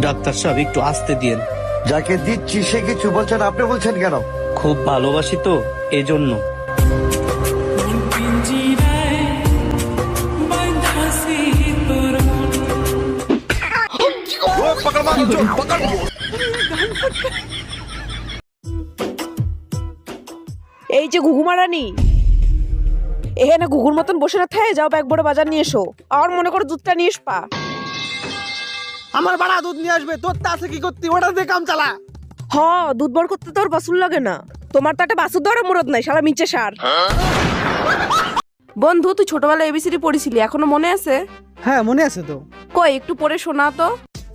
Doctor সাহেব একটু আস্তে দিয়েন। যাকে দিচ্ছি সে কিছু বলছেন, আপনি বলছেন কেন? খুব ভালোবাসি তো এজন্য। এই যে ঘুঘুমারানি, এখানে ঘুঘুর মতন বসে না থাকে, যাও ব্যাগ বড় বাজার নিয়ে এসো। আর মনে করো দুধটা নিয়ে আসবা। আমার বাড়া দুধ নিয়ে আসবে, তোর তা আছে কি করতি, ওটা দিয়ে কাম চালা। হ, দুধ বড় করতে তোর বাসুর লাগে না, তোমার তো একটা বাসুর দেওয়ার মুরত নাই, সারা মিচে সার। বন্ধু, তুই ছোটবেলায় এবিসিডি পড়েছিলি, এখনো মনে আছে? হ্যাঁ মনে আছে তো। কই একটু পড়ে শোনা তো।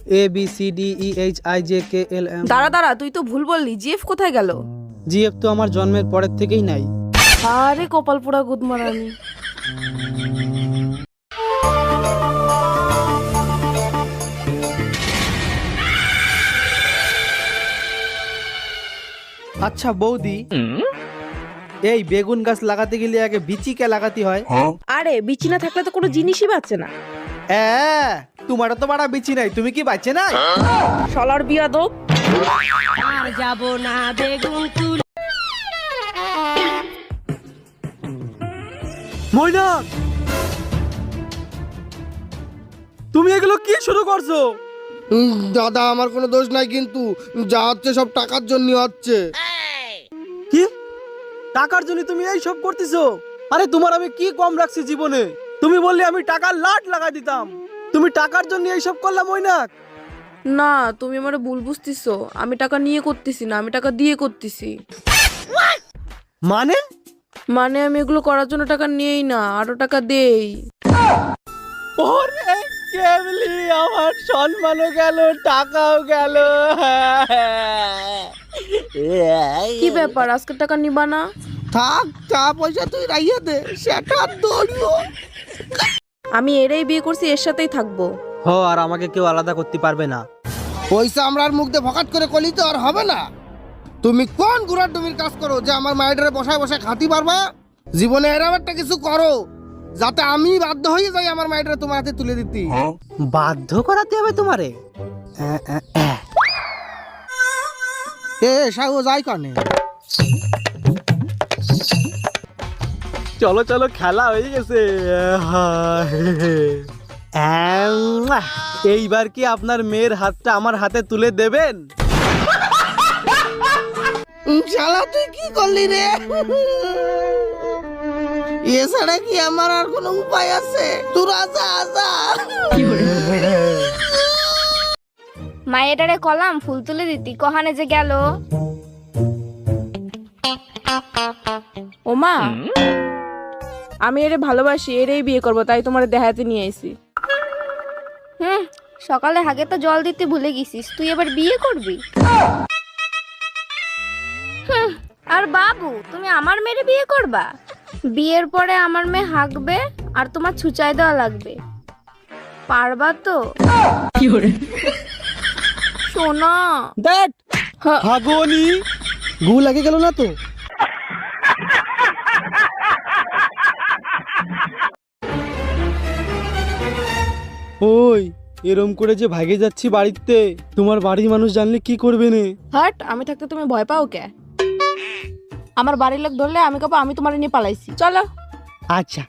ABCDEHIJKLM। দাঁড়া দাঁড়া, তুই তো ভুল বললি, জিএফ কোথায় গেল? জিএফ তো আমার জন্মের পরের থেকেই নাই। আরে কপাল পোড়া গুদমারানি। আচ্ছা বৌদি, এই বেগুন গাছ লাগাতে গেলে আগে বিচি কে লাগাতে হয়? আরে বিচি না থাকলে তো কোনো জিনিসই বাঁচে না। তোমারও তো বাড়া বিচি নাই, তুমি কি বাঁচে নাই? শালার বিয়াদব। আর যাব না বেগুন তুল। ময়নাক, তুমি এগুলো কি শুরু করছো? দাদা আমার কোনো দোষ নাই, কিন্তু যা হচ্ছে সব টাকার জন্য হচ্ছে। কি টাকার জন্য তুমি এই সব করতেছো? আরে তোমার আমি কি কম রাখছি জীবনে? তুমি বললে আমি টাকার লাট লাগাই দিতাম, তুমি টাকার জন্য এই সব করলাম ময়নাক? না, তুমি আমারে ভুল বুঝতেছো, আমি টাকা নিয়ে করতেছি না, আমি টাকা দিয়ে করতেছি। মানে মানে আমি এগুলো করার জন্য টাকা নিয়েই না, আরো টাকা দেই। ওরে কেবলি আমার সম্মানও গেল, টাকাও গেল। কি ব্যাপার, আজকে টাকা নিবা না? থাক, চা পয়সা তুই রাইয়া দে, সেটা দৌড়িও। আমি এরাই বিয়ে করছি, এর সাথেই থাকবো। আর আমাকে কেউ আলাদা করতে পারবে না। পয়সা আমরা আর মুখ দিয়ে ফকাট করে কলি তো আর হবে না। তুমি কোন গুড়ার ডুমির কাজ করো যে আমার মায়ের বসায় বসায় খাতি পারবা? জীবনে এরকম একটা কিছু করো যাতে আমি বাধ্য হয়ে যাই আমার মায়ের তোমার হাতে তুলে দিতে। বাধ্য করাতে হবে তোমারে? সাহু যাই কানে। চলো চলো, খেলা হয়ে গেছে। এইবার কি আপনার মেয়ের হাতটা আমার হাতে তুলে দেবেন? শালা তুই কি করলি রে? এছাড়া কি আমার আর কোনো উপায় আছে? তোরা যা যা। মায়েরারে কলাম ফুল তুলে দিতি, কহানে যে গেল। ওমা, আমি এরে ভালোবাসি, এরেই বিয়ে করবো, তাই তোমার দেখাতে নিয়ে আইছি। সকালে হাগে তো জল দিতে ভুলে গেছিস, তুই এবার বিয়ে করবি? আর বাবু, তুমি আমার মেয়েরে বিয়ে করবা? বিয়ের পরে আমার মেয়ে হাগবে আর তোমার ছুচাই দেওয়া লাগবে, পারবা তো? শোনা দ্যাট হাগনি গু লাগে গেল না তো? ওই এরম করে যে ভাগে যাচ্ছি বাড়িতে, তোমার বাড়ির মানুষ জানলে কি করবে নে? হাট, আমি থাকতে তুমি ভয় পাও কে? আমার বাড়ির লোক ধরলে আমি কব আমি তোমার নিয়ে পালাইছি। চলো। আচ্ছা,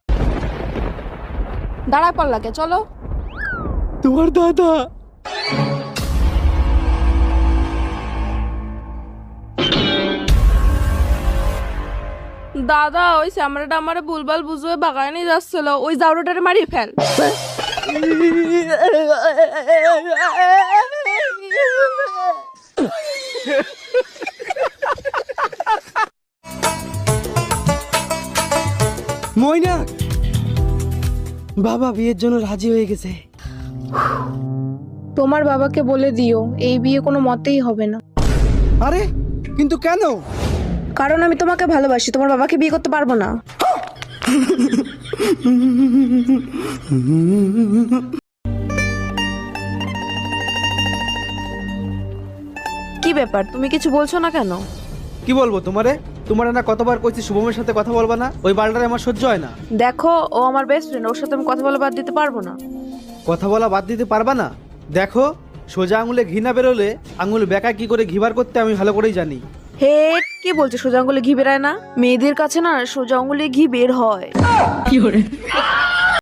দাঁড়ায় পাল্লা কে, চলো। তোমার দাদা। দাদা, ওই স্যামরাটা আমারে ভুলভাল বুঝুয়ে বাগায় নিয়ে যাচ্ছিল, ওই জাউরাটারে মারিয়ে ফেল। ময়নাক, বাবা বিয়ের জন্য রাজি হয়ে গেছে। তোমার বাবাকে বলে দিও এই বিয়ে কোনো মতেই হবে না। আরে কিন্তু কেন? কারণ আমি তোমাকে ভালোবাসি, তোমার বাবাকে বিয়ে করতে পারবো না। কি ব্যাপার, তুমি কিছু বলছো না কেন? কি বলবো তোমারে? তোমার না কতবার কইছি শুভমের সাথে কথা বলবা না, ওই বালটারে আমার সহ্য হয় না। দেখো, ও আমার বেস্ট ফ্রেন্ড, ওর সাথে আমি কথা বলে বাদ দিতে পারবো না। কথা বলা বাদ দিতে পারবা না? দেখো সোজা আঙুলে ঘি না বেরোলে আঙুল বেঁকা কি করে ঘিবার করতে আমি ভালো করেই জানি। হেট, কে বলছে সোজা আঙ্গুলে ঘি বেরায় না? মেয়েদের কাছে না সোজা আঙ্গুলে ঘি বের হয়।